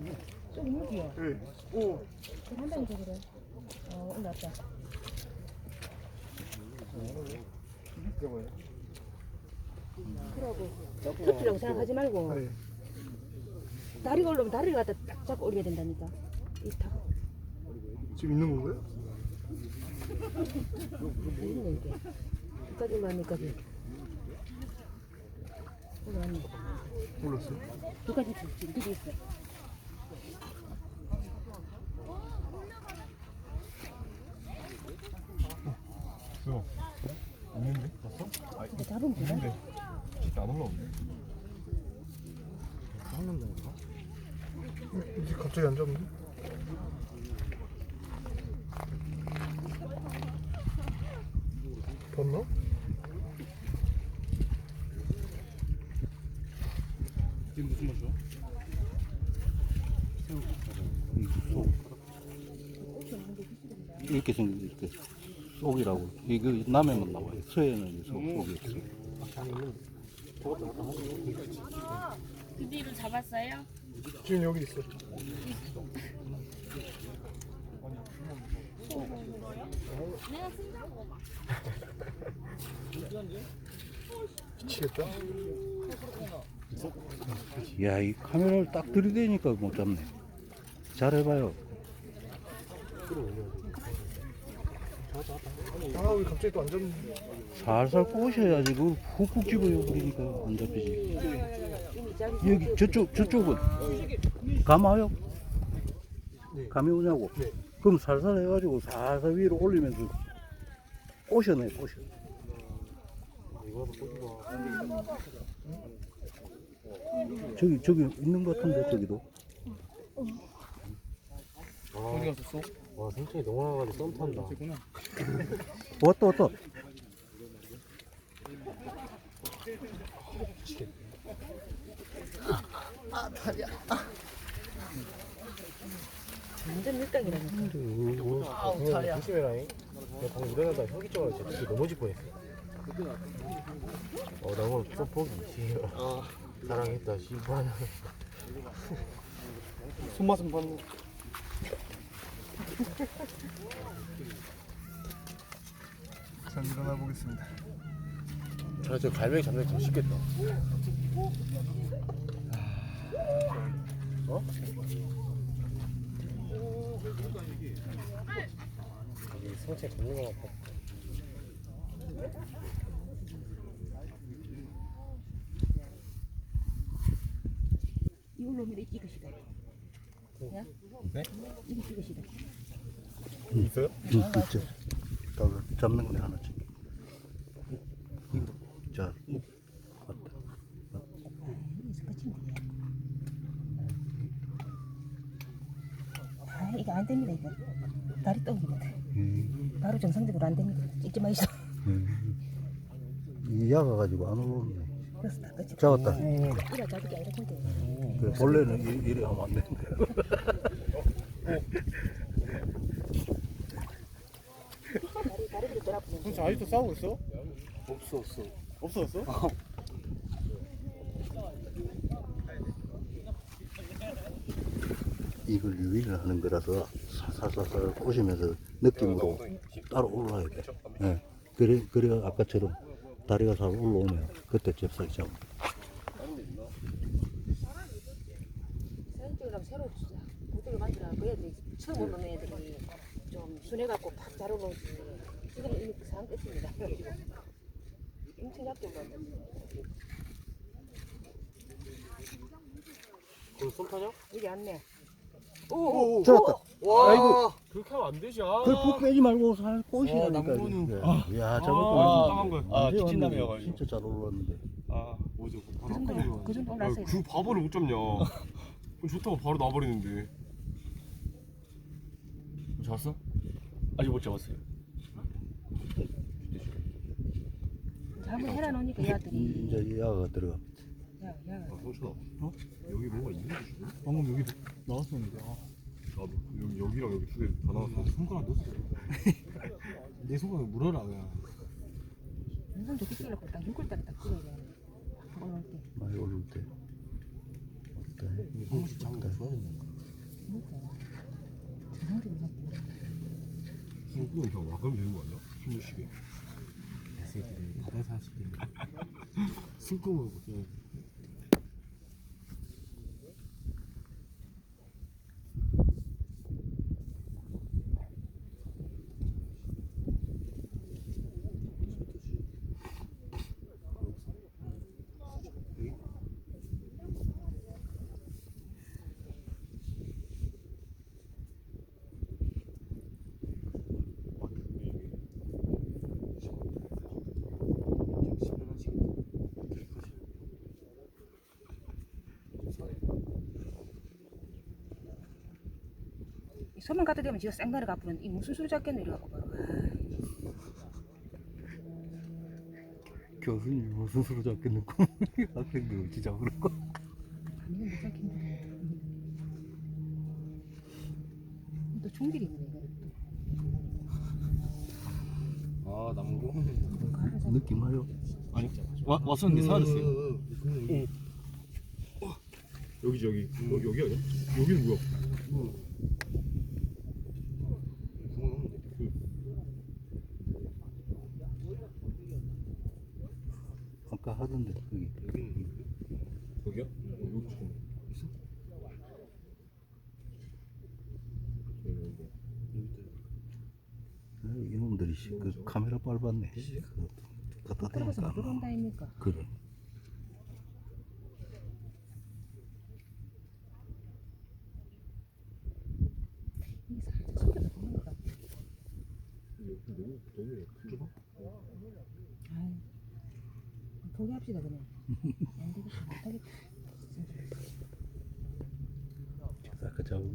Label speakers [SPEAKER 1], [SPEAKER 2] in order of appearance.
[SPEAKER 1] 저기 무지요?
[SPEAKER 2] 네. 오.
[SPEAKER 1] 한다니 저기를. 올라왔다. 그러고 터키라고 생각하지 말고
[SPEAKER 2] 네.
[SPEAKER 1] 다리가 올라오면 다리를 갖다 딱 잡고 올려야 된다니까. 이 타고.
[SPEAKER 2] 지금 있는 건가요?
[SPEAKER 1] 있네 이게. 여기까지 올라왔니까지. 올라왔네.
[SPEAKER 2] 몰랐어요.
[SPEAKER 1] 여기까지 있어. 지금 여기 있어.
[SPEAKER 3] 있어. 있는데? 봤어?
[SPEAKER 1] 이거 잡으면 되나?
[SPEAKER 3] 있는데. 진짜 안 올라오네.
[SPEAKER 2] 잡는다니까? 이제 갑자기 안 잡는데? 봤나?
[SPEAKER 3] 지금 무슨 맛이야?
[SPEAKER 4] 이렇게 생긴 이렇게 속이라고 이거 남해만 나와요. 서해는 속이 없어요.
[SPEAKER 5] 그 뒤로 잡았어요?
[SPEAKER 2] 지금 여기 있어.
[SPEAKER 5] 내가 쓴다고.
[SPEAKER 2] 미치겠다.
[SPEAKER 4] 야, 이 카메라를 딱 들이대니까 못 잡네. 잘해봐요.
[SPEAKER 2] 아, 왜 갑자기 또 안 잡는데?
[SPEAKER 4] 살살 꼬셔야지. 그걸 훅훅 집어요 버리니까 안 잡히지. 여기 저쪽은 감아요?
[SPEAKER 2] 네.
[SPEAKER 4] 감이 오냐고?
[SPEAKER 2] 네.
[SPEAKER 4] 그럼 살살 해가지고 살살 위로 올리면서 꼬셔내 꼬셔. 저기 있는 것 같은데 저기도.
[SPEAKER 3] 어디 갔었어?
[SPEAKER 6] 와 생천이 농어가지고 썸 탄다.
[SPEAKER 4] 왔다.
[SPEAKER 1] 완전 밀당이라니까.
[SPEAKER 6] 아우 다리야. 조심해라잉. 내가 방금 일어나다 혁이 쪽으로 진짜 넘어질 뻔했어. 너무 좀 포기. 사랑했다 씨발.
[SPEAKER 2] 손맛은 봤네. 자, 일어나 보겠습니다.
[SPEAKER 6] 저 갈매기 잡는 게 더 쉽겠다. 어? 여기 성체 잡는 거 같아.
[SPEAKER 1] 이걸로 오면 이것이다. 야?
[SPEAKER 3] 네?
[SPEAKER 1] 이것이다.
[SPEAKER 3] 있어요?
[SPEAKER 4] 있죠. 잡는 거네 하나씩. 자, 왔다.
[SPEAKER 1] 이거 안 됩니다 이거. 다리 떡입니다. 바로 정상적으로 안 됩니다. 찍지 마시죠.
[SPEAKER 4] 이 야가 가지고 안 올라오네.
[SPEAKER 1] 그래서 다 끝이.
[SPEAKER 4] 잡았다.
[SPEAKER 1] 이라 잡을 게 아니라 근데.
[SPEAKER 4] 그래, 원래는 이래 하면 안 되는데.
[SPEAKER 1] 다리를 돌아보면.
[SPEAKER 3] 진짜 아직도 싸우고 있어?
[SPEAKER 2] 없었어.
[SPEAKER 3] 없어졌어?
[SPEAKER 4] 이걸 유인을 하는 거라서 살살살살 꼬시면서 느낌으로 따로 올라야 돼. 예. 그래 아까처럼 다리가 잘 올라오면 그때 잽싸게 잡아.
[SPEAKER 1] 사진 찍으려면 새로 구두를 만들어. 그 애들이 처음 오는 애들이 좀 순해갖고 팍 잘 올라오지. 지금 이미 그 상황 끝입니다. 엄청 얇게 올라온다.
[SPEAKER 6] 그럼 썸 타냐?
[SPEAKER 1] 여기 안 내.
[SPEAKER 2] 오,
[SPEAKER 4] 잡았다.
[SPEAKER 6] 와.
[SPEAKER 4] 아이고.
[SPEAKER 6] 그렇게 하면 안 되지.
[SPEAKER 4] 그걸 푹 빼지 말고 살 꼬시라니까.
[SPEAKER 3] 남부는.
[SPEAKER 4] 야,
[SPEAKER 3] 까만 거.
[SPEAKER 4] 언제
[SPEAKER 3] 기친남이어가지고.
[SPEAKER 4] 왔는데 진짜 잘 올라왔는데.
[SPEAKER 3] 아, 뭐지?
[SPEAKER 1] 그 정도 올랐어요.
[SPEAKER 3] 그 바보를 못 잡냐? 그럼 좋다고 바로 놔버리는데. 잡았어? 아직 못 잡았어요.
[SPEAKER 1] 한번 해라 놓으니까 얘들이.
[SPEAKER 4] 이제 이 야가 들어가.
[SPEAKER 1] 야.
[SPEAKER 3] 성춘아. 어? 여기 뭐가 있는데?
[SPEAKER 2] 방금 여기 나왔었는데. 아,
[SPEAKER 3] 나도 여기랑 여기 두 개 다 나왔어.
[SPEAKER 2] 손가락 넣었어. 내 손가락 물어라 그냥.
[SPEAKER 1] 무슨 좋게 찍으려고 딱 6월 달에 딱 찍어야 돼. 올라올 때.
[SPEAKER 4] 많이 오를 때. 어때?
[SPEAKER 2] 한 번씩 잡는 거 좋아졌네.
[SPEAKER 3] 술꾼은 그냥 와가면 되는 거 아니야? 술 마시게.
[SPEAKER 2] 새끼들 바다에서 할 수도 있는.
[SPEAKER 3] 술꾼은 그냥
[SPEAKER 1] 소문 갖다 대면 지가 생가를 갚으면 이 무슨 소리 잡겠노 이래갖고 바로.
[SPEAKER 4] 교수님 무슨 수로 잡겠는고 학생들 어찌 잡으라고.
[SPEAKER 1] 아니면 못 잡겠네. 또 총질이 있네 이거.
[SPEAKER 2] 아 남고.
[SPEAKER 4] 느낌 와요?
[SPEAKER 2] 아니 왔었는데 사라졌어요.
[SPEAKER 3] 여기지 여기. 여기 아니야? 여기는 뭐야?
[SPEAKER 4] 아까 하던데 거기.
[SPEAKER 3] 여기야? 여기 지금 있어?
[SPEAKER 4] 이놈들이 그 카메라 빨았네. 갖다
[SPEAKER 1] 그러고서 못
[SPEAKER 4] 대니까.
[SPEAKER 1] 들어온다 아닙니까?
[SPEAKER 4] 그래.
[SPEAKER 1] 이게 살짝 소리가 도는 것 같아.
[SPEAKER 3] 너무 좁아?
[SPEAKER 1] 아유, 포기합시다 그냥. 안 되겠다, 못하겠다.
[SPEAKER 4] 아까 잡은